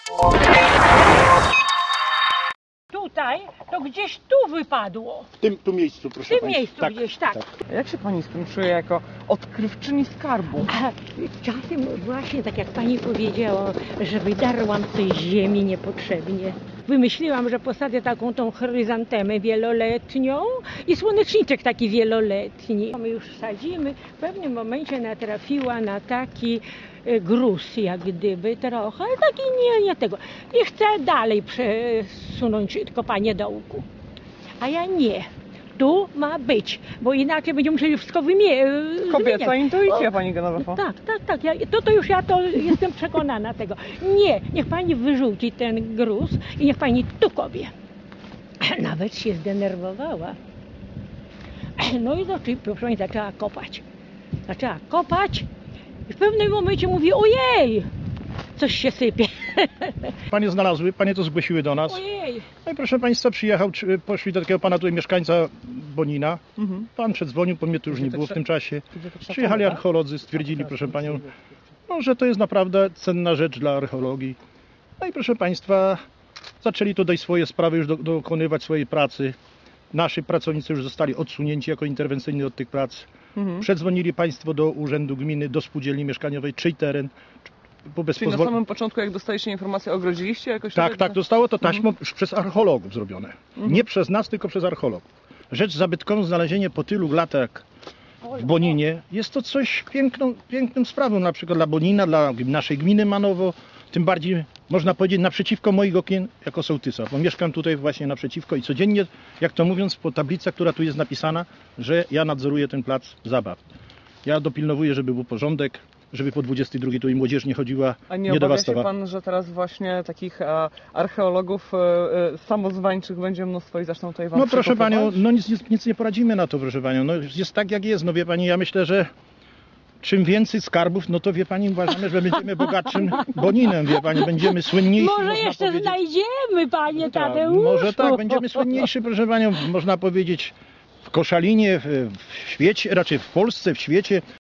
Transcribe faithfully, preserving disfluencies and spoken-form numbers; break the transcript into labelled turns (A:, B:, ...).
A: Tutaj, to gdzieś tu wypadło.
B: W tym tu miejscu, proszę
A: W tym
B: państwa.
A: miejscu gdzieś, tak.
C: Jak się pani z tym czuje jako odkrywczyni skarbu?
A: A czasem właśnie tak jak pani powiedziała, że wydarłam tej ziemi niepotrzebnie. Wymyśliłam, że posadzę taką tą chryzantemę wieloletnią i słoneczniczek taki wieloletni. My już sadzimy, w pewnym momencie natrafiła na taki e, gruz jak gdyby trochę, taki nie, nie tego. I chcę dalej przesunąć kopanie dołku. A ja nie. Tu ma być, bo inaczej będziemy musieli wszystko wymie-
C: Kobieca
A: zmieniać.
C: intuicja,
A: O,
C: pani Genowefa.
A: Tak, tak, tak. Ja, to, to już ja to jestem przekonana tego. Nie, niech pani wyrzuci ten gruz i niech pani tu kopie. Nawet się zdenerwowała. No i zaczęła, proszę pani, zaczęła kopać. Zaczęła kopać i w pewnym momencie mówi: ojej, coś się sypie.
B: Panie znalazły, panie to zgłosiły do nas.
A: Ojej.
B: No i proszę państwa, przyjechał, czy- poszli do takiego pana tutaj mieszkańca Bonina.
C: Mhm.
B: Pan przedzwonił, bo mnie tu już nie było w tym czasie. Przyjechali archeolodzy, stwierdzili, proszę panią, no, że to jest naprawdę cenna rzecz dla archeologii. No i proszę państwa, zaczęli tutaj swoje sprawy już do, dokonywać swojej pracy. Nasi pracownicy już zostali odsunięci jako interwencyjni od tych prac.
C: Mhm.
B: Przedzwonili państwo do Urzędu Gminy, do Spółdzielni Mieszkaniowej, czyj teren. Bo bez
C: Czyli na
B: pozwol-
C: samym początku, jak dostaliście informację, ogrodziliście jakoś?
B: Tak,
C: tutaj?
B: tak, zostało to taśmą już przez archeologów zrobione.
C: Mhm.
B: Nie przez nas, tylko przez archeologów. Rzecz zabytkową, znalezienie po tylu latach w Boninie jest to coś piękną, piękną sprawą, na przykład dla Bonina, dla naszej gminy Manowo, tym bardziej można powiedzieć naprzeciwko moich okien jako sołtysa, bo mieszkam tutaj właśnie naprzeciwko i codziennie, jak to mówiąc, po tablicy, która tu jest napisana, że ja nadzoruję ten plac zabaw. Ja dopilnowuję, żeby był porządek, żeby po dwudziestej drugiej tu i młodzież nie chodziła,
C: A nie
B: nie
C: obawia się
B: dewastowała.
C: pan, że teraz właśnie takich e, archeologów e, e, samozwańczych będzie mnóstwo i zaczną tutaj wam
B: No proszę
C: przekopywać?
B: panią, no nic, nic, nic nie poradzimy na to, proszę panią. No jest tak jak jest, no wie pani, ja myślę, że czym więcej skarbów, no to wie pani, uważamy, że będziemy bogatszym Boninem, wie pani, będziemy słyniejsi.
A: Może
B: można
A: jeszcze
B: powiedzieć.
A: znajdziemy, panie
B: Tak,
A: Tadeuszu.
B: może tak, będziemy słynniejsi, proszę panią, można powiedzieć, w Koszalinie, w, w świecie, raczej w Polsce, w świecie,